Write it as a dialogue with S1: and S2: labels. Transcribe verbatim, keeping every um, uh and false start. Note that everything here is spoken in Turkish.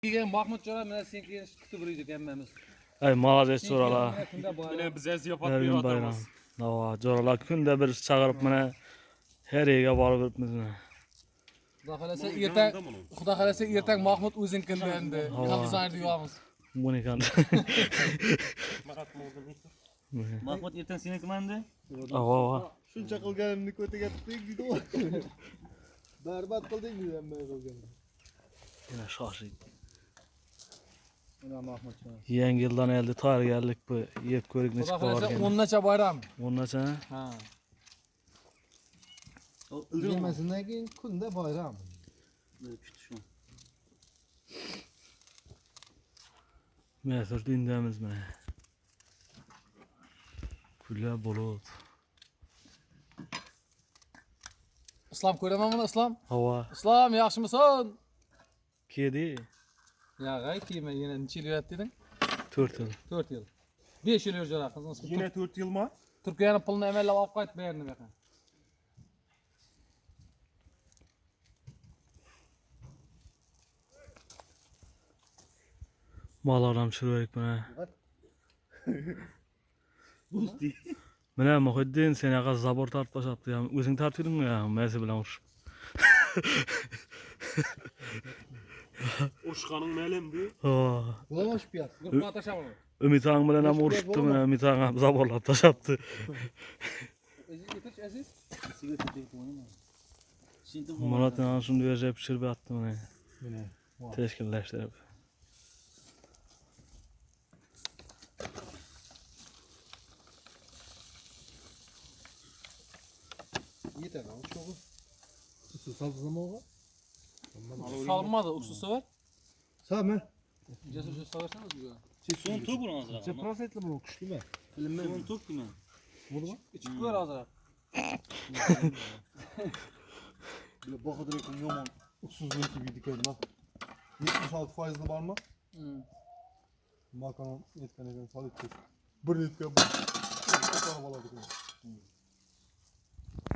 S1: Degan Mahmud Jo'ra mana senga kutib yurdik hammamiz.
S2: Ay malazes Jo'ralar.
S1: Mana
S3: bize ziyafat
S2: Her gün bayram. Nava Jo'ralar kunda bir çağırıp mana her yere barıp yuribmiz.
S1: Xudo xolasa ertang, Xudo xolasa ertang Mahmud o'zingkinde endi. Kondizayner deyamiz.
S2: Bu ne kan?
S4: Mahmud ertang senikimanda?
S2: Ava ava.
S5: Shuncha qilganimni ko'tagatding dedi. Barbod qilding dedi hamma qilganini.
S2: Yine şaşırdı.
S1: Mana Mahmud Jo'ra.
S2: Yangi yildan elde tayyorgarlik bu. Yeb ko'rik ne
S1: Xudo
S2: chiqib
S1: xolasa
S2: borgan.
S1: o'n nacha bayram.
S2: O'nnacha?
S1: Ha.
S5: Yemasidan keyin kunda bayram.
S4: Kutishim.
S2: Mesut indamiz mana. Kullar bulut.
S1: Islom ko'raman buni Islom.
S2: Hava.
S1: Islom, yaxshimisan?
S2: Kedi.
S1: Ya g'ay kiyma yana necha yil yuradi deding?
S2: to'rt yil.
S1: to'rt yil. besh yil yurjara qizimiz.
S3: Yine dört yıl mı?
S1: Turkiyani pulni amallab olib qaytib berdi bu yoqqa.
S2: Malaram çürüyük mana.
S4: Busti.
S2: Mana Muhiddin sen yaqa zabor tartib başaptı ya. O'zing tartib edingmi ya? Mezi bilan urishib.
S3: Oşkanın melem bu.
S2: Ha.
S5: Bulamaş piyas.
S1: Guruhga tashaman.
S2: Ümit Ağam bilan ham urishibdi mana. Ümit Ağam zaborlab tashapti.
S1: Aziz yetish Aziz.
S4: Siga tutayım onu. Şimdi
S2: Murat ana shunday yashab pishirib atdi mana.
S5: Mana.
S2: Tashkillashtirib.
S5: Yeter lan çok. Su sabzamog'a.
S1: Salmadi, uksusi var.
S5: Sami.
S1: Jasur shu so'rasana bizga.
S4: son top bunu hazır.
S5: Necha prosentli bu kuchlimi?
S4: Son top kimi?
S5: Bo'ldi.
S1: Ichib ko'r hozir.
S5: Böyle Bahadır Ekin yomon uksuzluğu gibi dikeydim ha. yetmiş altı faizli var mı?
S1: Hmm.
S5: Makaron yetken eken salık kes. Bir netken bu. Bir arabalar dikeydim.